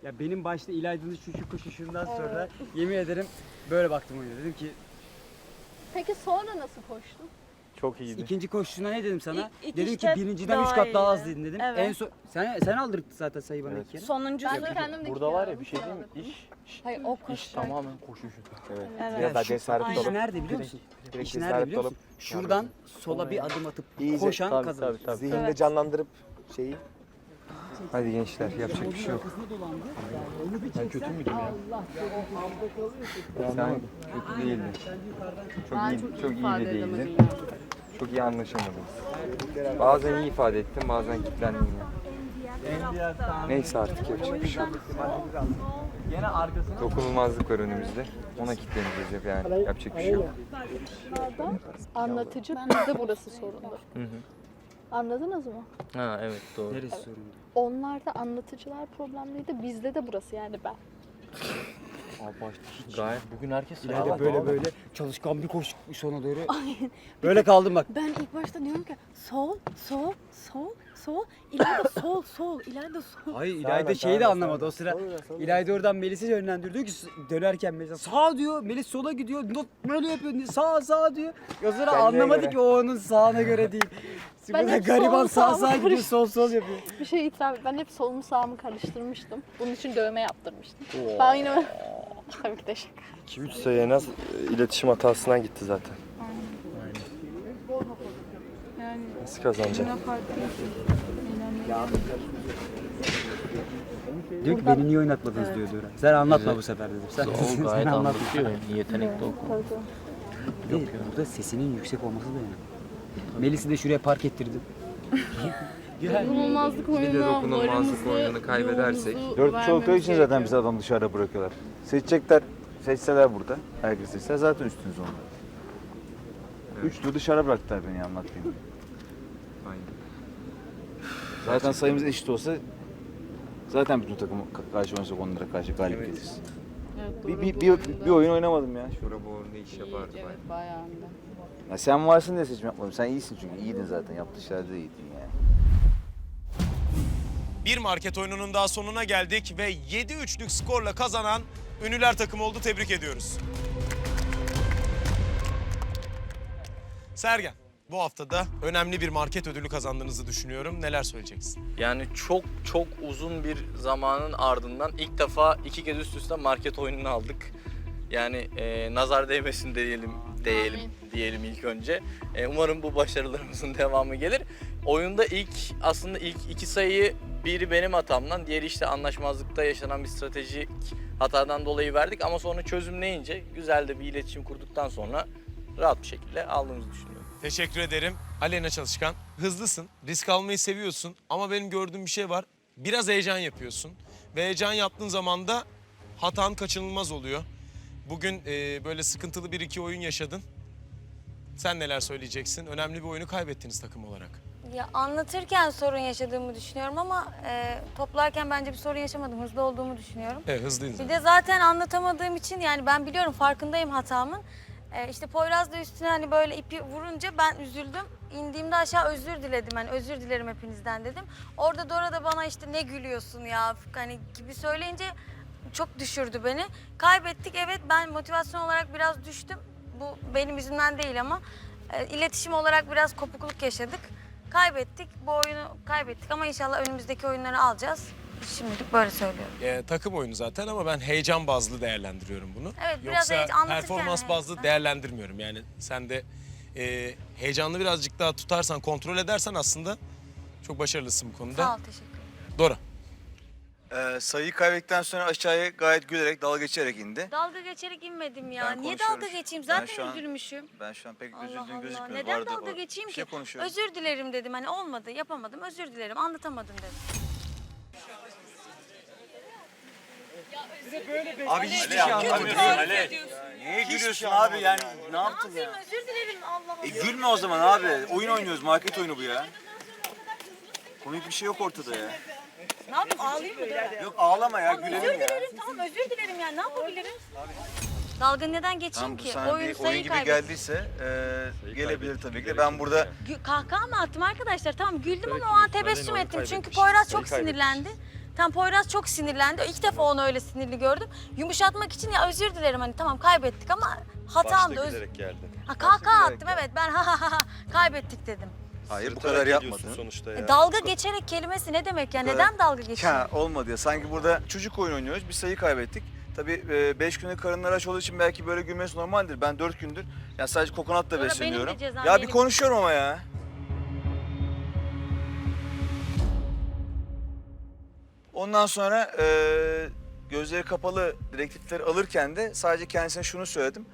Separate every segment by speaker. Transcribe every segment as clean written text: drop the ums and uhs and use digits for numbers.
Speaker 1: Ya benim başta İlayda'nın şu koşuşundan sonra yemin ederim böyle baktım oyuna. Dedim ki
Speaker 2: Peki sonra nasıl koştun?
Speaker 3: Çok iyiydi.
Speaker 1: ikinci koşusuna ne dedim sana?
Speaker 4: İlk
Speaker 1: Dedim
Speaker 4: işte
Speaker 1: ki birinciden 3 kat daha az dedin dedim.
Speaker 4: Evet.
Speaker 1: En son sen aldırdın zaten sayı bana
Speaker 3: Evet.
Speaker 1: ilk kere.
Speaker 4: Sonuncu
Speaker 2: Ben de kendim de
Speaker 3: Burada var ya bir şey değil mi?
Speaker 4: Hayır o
Speaker 3: İş
Speaker 4: koşu.
Speaker 3: tamamen koşuşu. Evet.
Speaker 4: Evet.
Speaker 3: Biraz daha
Speaker 1: şu
Speaker 3: cesaretli
Speaker 4: aynen.
Speaker 1: İş
Speaker 3: olup.
Speaker 1: nerede biliyor musun?
Speaker 3: Direkt
Speaker 1: İş nerede
Speaker 3: cesaretli
Speaker 1: biliyor
Speaker 3: olup.
Speaker 1: musun? Şuradan sola bir adım atıp
Speaker 3: İyice,
Speaker 1: koşan
Speaker 3: tabii,
Speaker 1: kazanır.
Speaker 3: tabii.
Speaker 5: Zihinde
Speaker 4: Evet.
Speaker 5: canlandırıp şeyi.
Speaker 3: Hadi gençler yapacak bir şey yok. Ben kötü müydüm ya? Sen kötü değildin. Çok iyi de değildin. Çok iyi anlaşamadınız. Bazen iyi ifade ettim, bazen kilitlendim ya. Neyse artık yapacak bir şey yok.
Speaker 1: Gene arkasına
Speaker 3: Dokunulmazlık var önümüzde. Ona kilitleneceğiz hep yani. Yapacak bir şey yok.
Speaker 2: Anlatıcı bizde burası sorundu.
Speaker 3: Hı hı.
Speaker 2: Anladınız mı?
Speaker 6: Ha evet doğru.
Speaker 1: neresi sorundu?
Speaker 2: Onlarda anlatıcılar problemliydi. Bizde de burası yani ben.
Speaker 6: Gayet bugün herkes
Speaker 1: İlayda böyle çalışkan bir koşu sona doğru. Böyle kaldım bak.
Speaker 4: Ben ilk başta diyorum ki sol, sol, sol, sol, ileride sol, sol, ileride sol.
Speaker 1: Hayır İlayda şeyi de anlamadı o sıra. İlayda oradan Melis'i yönlendiriyor diyor ki dönerken Melis sağ diyor, Melis sola gidiyor, not böyle yapıyor diyor, sağ diyor. O sıra
Speaker 3: Kendine
Speaker 1: anlamadı
Speaker 3: göre.
Speaker 1: ki o onun sağına göre değil.
Speaker 2: Ben
Speaker 1: Burada
Speaker 2: hep
Speaker 1: gariban
Speaker 2: sol,
Speaker 1: sağ
Speaker 2: sağ
Speaker 1: gidiyor, sol yapıyor.
Speaker 2: Bir şey itiraf ben hep solumu sağımı karıştırmıştım. Bunun için dövme yaptırmıştım. Ben yine tabii ki de şaka.
Speaker 3: 2-3 sayı en az iletişim hatasından gitti zaten.
Speaker 4: Yani
Speaker 3: Nasıl kazanacak?
Speaker 1: Diyor ki beni niye oynatmadınız diyor Dora. Sen anlatma bu sefer dedim. Sen,
Speaker 6: O gayet
Speaker 1: sen anlatma.
Speaker 6: anlatıyor. Yetenekli o.
Speaker 1: Yok ya. Burada sesinin yüksek olması da yani. Melis'i de şuraya park ettirdim.
Speaker 4: dokunulmazlık
Speaker 3: Bir de dokunulmazlık oyununu kaybedersek.
Speaker 5: 4 çoğu için zaten bizi adam dışarıda bırakıyorlar. Seçecekler, seçseler burada. Herkes seçse zaten üstünüz onlar.
Speaker 3: Evet.
Speaker 5: 3 tur dışarı bıraktılar beni anlatmayayım.
Speaker 3: Aynen.
Speaker 5: Zaten sayımız eşit olsa zaten bütün takım karşı oynasak onlara karşı galip
Speaker 3: Evet.
Speaker 5: geliriz. Bir oyun oynamadım ya.
Speaker 3: Şura bu oyunda iş yapardı bayağı.
Speaker 5: Ya sen varsın diye seçim yapmadım. Sen iyisin çünkü iyiydin zaten. Yaptığı işlerde de iyiydin yani.
Speaker 7: Bir market oyununun daha sonuna geldik ve 7-3'lük skorla kazanan Ünlüler takımı oldu. Tebrik ediyoruz. Sergen, bu hafta da önemli bir market ödülü kazandığınızı düşünüyorum. Neler söyleyeceksin?
Speaker 6: Yani çok uzun bir zamanın ardından ilk defa 2 kez üst üste market oyununu aldık. Yani nazar değmesin diyelim ilk önce. Umarım bu başarılarımızın devamı gelir. Oyunda aslında ilk 2 sayıyı biri benim hatamdan, diğeri işte anlaşmazlıkta yaşanan bir stratejik hatadan dolayı verdik ama sonra çözümleyince güzel de bir iletişim kurduktan sonra rahat bir şekilde aldığımızı düşünüyorum.
Speaker 7: Teşekkür ederim. Aleyna Çalışkan, hızlısın, risk almayı seviyorsun ama benim gördüğüm bir şey var. Biraz heyecan yapıyorsun ve heyecan yaptığın zaman da hatan kaçınılmaz oluyor. Bugün böyle sıkıntılı bir iki oyun yaşadın. Sen neler söyleyeceksin? Önemli bir oyunu kaybettiniz takım olarak.
Speaker 8: Ya anlatırken sorun yaşadığımı düşünüyorum ama toplarken bence bir sorun yaşamadım. Hızlı olduğumu düşünüyorum.
Speaker 7: Evet, hızlıydın.
Speaker 8: Bir de zaten anlatamadığım için yani ben biliyorum farkındayım hatamın. İşte Poyraz da üstüne hani böyle ipi vurunca ben üzüldüm. İndiğimde aşağı özür diledim. Hani özür dilerim hepinizden dedim. Orada Dora da bana işte ne gülüyorsun ya hani gibi söyleyince çok düşürdü beni. Kaybettik evet ben motivasyon olarak biraz düştüm. Bu benim yüzümden değil ama iletişim olarak biraz kopukluk yaşadık. Kaybettik. Bu oyunu kaybettik ama inşallah önümüzdeki oyunları alacağız. Şimdilik böyle söylüyorum.
Speaker 7: Takım oyunu zaten ama ben heyecan bazlı değerlendiriyorum bunu.
Speaker 8: Evet, biraz
Speaker 7: Yoksa
Speaker 8: anlatırken
Speaker 7: performans
Speaker 8: evet.
Speaker 7: bazlı değerlendirmiyorum. Yani sen de heyecanlı birazcık daha tutarsan, kontrol edersen aslında çok başarılısın bu konuda.
Speaker 8: Sağ ol, teşekkür ederim.
Speaker 7: Dora.
Speaker 5: Sayıyı kaybettikten sonra aşağıya gayet gülerek, dalga geçerek indi.
Speaker 8: Dalga geçerek inmedim ya.
Speaker 5: Ben
Speaker 8: Niye
Speaker 5: konuşuyorum
Speaker 8: dalga
Speaker 5: şu-
Speaker 8: geçeyim?
Speaker 5: ben
Speaker 8: Zaten
Speaker 5: şu an-
Speaker 8: üzülmüşüm.
Speaker 5: Ben şu an pek
Speaker 8: Allah
Speaker 5: üzüldüğüm
Speaker 8: Allah.
Speaker 5: gözükmüyor.
Speaker 8: Neden
Speaker 5: Bu arada
Speaker 8: dalga geçeyim
Speaker 5: bir
Speaker 8: ki?
Speaker 5: şey konuşuyorum.
Speaker 8: Özür dilerim dedim. Hani olmadı, yapamadım. Özür dilerim. Anlatamadım dedim.
Speaker 5: Abi hiçbir şey anlamıyorsun. Niye gülüyorsun abi yani? Ne yaptın ya?
Speaker 8: Özür dilerim. Allah Allah.
Speaker 5: Gülme o zaman abi. Oyun oynuyoruz. Market oyunu bu ya. Komik bir şey yok ortada ya.
Speaker 8: Ne yapayım? Ağlayayım mı?
Speaker 5: Yok ağlama ya. Gülelim
Speaker 8: Özür
Speaker 5: ya.
Speaker 8: dilerim. Tamam özür dilerim yani. Ne yapabilirim? Dalga neden geçeyim
Speaker 5: Tamam bu
Speaker 8: ki?
Speaker 5: sana bir oyun
Speaker 8: sayı
Speaker 5: gibi
Speaker 8: kaybettim.
Speaker 5: geldiyse gelebilir tabii ki de. Ben burada
Speaker 8: Kahkaha mı attım arkadaşlar? Tamam güldüm ama o an tebessüm ettim. Çünkü Poyraz çok sinirlendi. Tam Poyraz çok sinirlendi. İlk defa onu öyle sinirli gördüm. Yumuşatmak için ya özür dilerim hani tamam kaybettik ama hatamdı.
Speaker 9: geldi.
Speaker 8: Ha, kahkaha attım evet ben kaybettik dedim.
Speaker 5: Hayır bu kadar yapmadın.
Speaker 9: sonuçta ya.
Speaker 8: Dalga geçerek kelimesi ne demek ya? Neden dalga geçiyor?
Speaker 5: Ya olmadı ya. Sanki burada çocuk oyun oynuyoruz. Bir sayı kaybettik. Tabii 5 günlük karınları aç olduğu için belki böyle gülmesi normaldir. Ben 4 gündür ya sadece kokonatla
Speaker 8: Sonra benim de
Speaker 5: besleniyorum.
Speaker 8: cezam
Speaker 5: Ya bir
Speaker 8: benim.
Speaker 5: konuşuyorum ama ya. Ondan sonra gözleri kapalı direktifleri alırken de sadece kendisine şunu söyledim.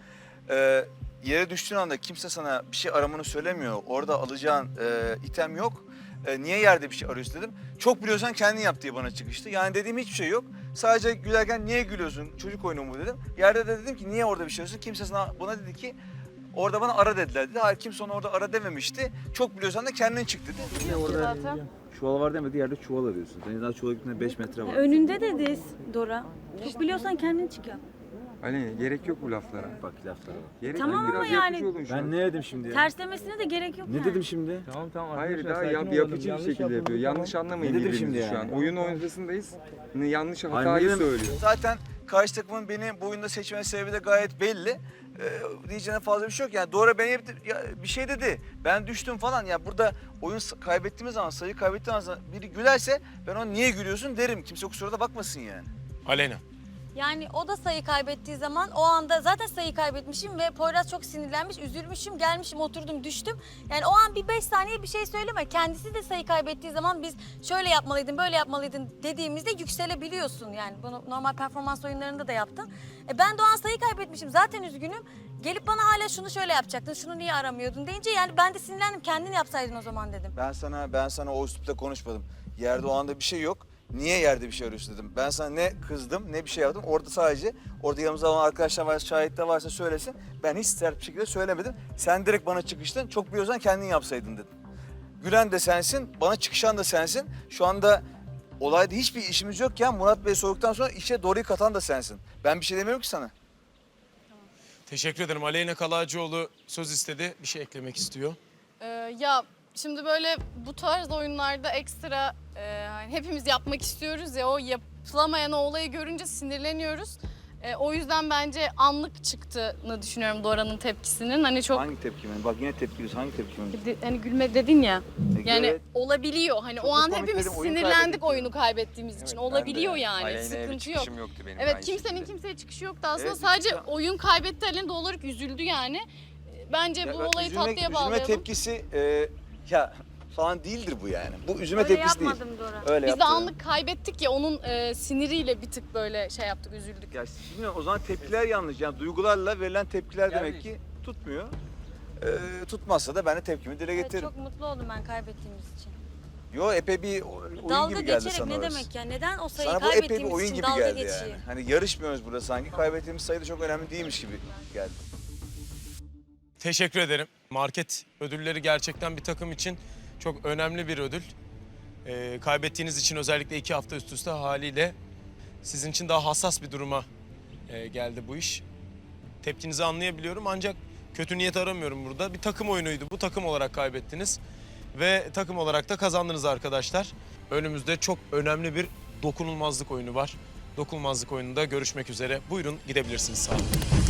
Speaker 5: Yere düştüğün anda kimse sana bir şey aramanı söylemiyor. Orada alacağın item yok. Niye yerde bir şey arıyorsun dedim. Çok biliyorsan kendin yap diye bana çıkıştı. Yani dediğim hiçbir şey yok. Sadece gülerken niye gülüyorsun? Çocuk oyunu mu dedim. Yerde de dedim ki niye orada bir şey arıyorsun? Kimse sana bana dedi ki orada bana ara dediler dedi. Hayır kimse ona orada ara dememişti. Çok biliyorsan da kendin çık dedi. Orada çuval var demedi yerde çuval arıyorsun. Senin daha çuvala gittiğinde 5 metre var.
Speaker 4: Önünde dedi Dora. Çok biliyorsan kendin çık yap.
Speaker 3: Ali gerek yok bu laflara.
Speaker 5: Bak laflara bak.
Speaker 3: Gerek
Speaker 4: Tamam
Speaker 3: yok,
Speaker 4: ama
Speaker 3: biraz
Speaker 4: yani-
Speaker 3: yapıcı olun şu an.
Speaker 5: Ben ne dedim şimdi ya?
Speaker 4: Terslemesine de gerek yok yani.
Speaker 5: Ne dedim şimdi?
Speaker 3: Hayır daha yapıcı bir şekilde yapıyor. Yanlış anlamayın
Speaker 5: Ne dedim
Speaker 3: birbirinizi
Speaker 5: şimdi
Speaker 3: şu an.
Speaker 5: yani?
Speaker 3: Oyun ortasındayız. Yanlış
Speaker 5: Hayır,
Speaker 3: hatayı
Speaker 5: ne dedim?
Speaker 3: söylüyor.
Speaker 5: Zaten karşı takımın beni bu oyunda seçme sebebi de gayet belli. Diyeceğine fazla bir şey yok. Yani Dora beni bir şey dedi. Ben düştüm falan. Ya burada oyun kaybettiğimiz zaman, sayı kaybettiğimiz zaman biri gülerse ben ona niye gülüyorsun derim. Kimse kusura da bakmasın yani.
Speaker 7: Aleyna.
Speaker 8: Yani o da sayı kaybettiği zaman o anda zaten sayı kaybetmişim ve Poyraz çok sinirlenmiş, üzülmüşüm, gelmişim, oturdum, düştüm. Yani o an bir 5 saniye bir şey söyleme. Kendisi de sayı kaybettiği zaman biz şöyle yapmalıydın, böyle yapmalıydın dediğimizde yükselebiliyorsun. Yani bunu normal performans oyunlarında da yaptın. Ben de o an sayı kaybetmişim, zaten üzgünüm. Gelip bana hala şunu şöyle yapacaktın, şunu niye aramıyordun deyince yani ben de sinirlendim. Kendin yapsaydın o zaman dedim.
Speaker 5: Ben sana o üslupta konuşmadım. Yerde o anda bir şey yok. Niye yerde bir şey arıyorsun dedim. Ben sana ne kızdım ne bir şey yaptım. Orada sadece yanımızda olan arkadaşlar varsa, şahitler varsa söylesin. Ben hiç sert bir şekilde söylemedim. Sen direkt bana çıkıştın. Çok biliyorsan kendin yapsaydın dedim. Gülen de sensin, bana çıkışan da sensin. Şu anda olayda hiçbir işimiz yok ya. Murat Bey soğuktan sonra işe doğruyu katan da sensin. Ben bir şey demiyorum ki sana.
Speaker 7: Teşekkür ederim. Aleyna Kalacıoğlu söz istedi. Bir şey eklemek istiyor.
Speaker 2: Ya şimdi böyle bu tarz oyunlarda ekstra hani hepimiz yapmak istiyoruz ya o yapılamayan o olayı görünce sinirleniyoruz. O yüzden bence anlık çıktığını düşünüyorum Dora'nın tepkisinin. Hani çok
Speaker 5: Hangi tepkimi? Bak yine tepkiliyorsun. Hangi tepkimi?
Speaker 2: hani gülme dedin ya. Yani
Speaker 5: Evet.
Speaker 2: olabiliyor. Hani
Speaker 5: Çok
Speaker 2: o an
Speaker 5: komik
Speaker 2: hepimiz
Speaker 5: dedim, oyun
Speaker 2: sinirlendik
Speaker 5: kaybettik
Speaker 2: oyunu kaybettiğimiz için. Olabiliyor yani.
Speaker 3: Aleyna'ya bir
Speaker 2: Sıkıntı yok.
Speaker 3: çıkışım yoktu benim.
Speaker 2: Evet
Speaker 3: aynı
Speaker 2: kimsenin
Speaker 3: şekilde.
Speaker 2: kimseye çıkışı yoktu aslında.
Speaker 5: Evet,
Speaker 2: Sadece
Speaker 5: ya.
Speaker 2: oyun kaybetti Alen doğal olarak üzüldü yani. Bence
Speaker 5: Ya
Speaker 2: bu
Speaker 5: bak,
Speaker 2: olayı
Speaker 5: üzülme-
Speaker 2: tatlıya
Speaker 5: üzülme
Speaker 2: bağlayalım.
Speaker 5: tepkisi falan değildir bu yani. Bu üzülme
Speaker 8: Öyle
Speaker 5: tepkisi değil.
Speaker 8: yapmadım Dora.
Speaker 5: Öyle
Speaker 2: Biz de
Speaker 5: yaptı.
Speaker 2: anlık kaybettik ya onun siniriyle bir tık böyle şey yaptık, üzüldük.
Speaker 5: Ya bilmiyorum o zaman tepkiler yanlış. Yani duygularla verilen tepkiler demek ki tutmuyor. Tutmazsa da ben de tepkimi dile
Speaker 8: Evet,
Speaker 5: getiririm.
Speaker 8: çok mutlu oldum ben kaybettiğimiz için.
Speaker 5: Yo epey bir oyun
Speaker 8: Dalga
Speaker 5: gibi geldi
Speaker 8: geçerek
Speaker 5: sana
Speaker 8: ne
Speaker 5: orası.
Speaker 8: demek ya? Neden o sayıyı
Speaker 5: Sana bu epey bir
Speaker 8: kaybettiğimiz
Speaker 5: oyun
Speaker 8: için
Speaker 5: gibi
Speaker 8: dalga
Speaker 5: geldi
Speaker 8: geçiyor?
Speaker 5: yani. Hani yarışmıyoruz burada sanki. Kaybettiğimiz sayı da çok önemli değilmiş gibi geldi.
Speaker 7: Teşekkür ederim. Market ödülleri gerçekten bir takım için çok önemli bir ödül. Kaybettiğiniz için özellikle 2 hafta üst üste haliyle sizin için daha hassas bir duruma geldi bu iş. Tepkinizi anlayabiliyorum ancak kötü niyet aramıyorum burada. Bir takım oyunuydu. Bu takım olarak kaybettiniz ve takım olarak da kazandınız arkadaşlar. Önümüzde çok önemli bir dokunulmazlık oyunu var. Dokunulmazlık oyununda görüşmek üzere. Buyurun gidebilirsiniz sağ olun.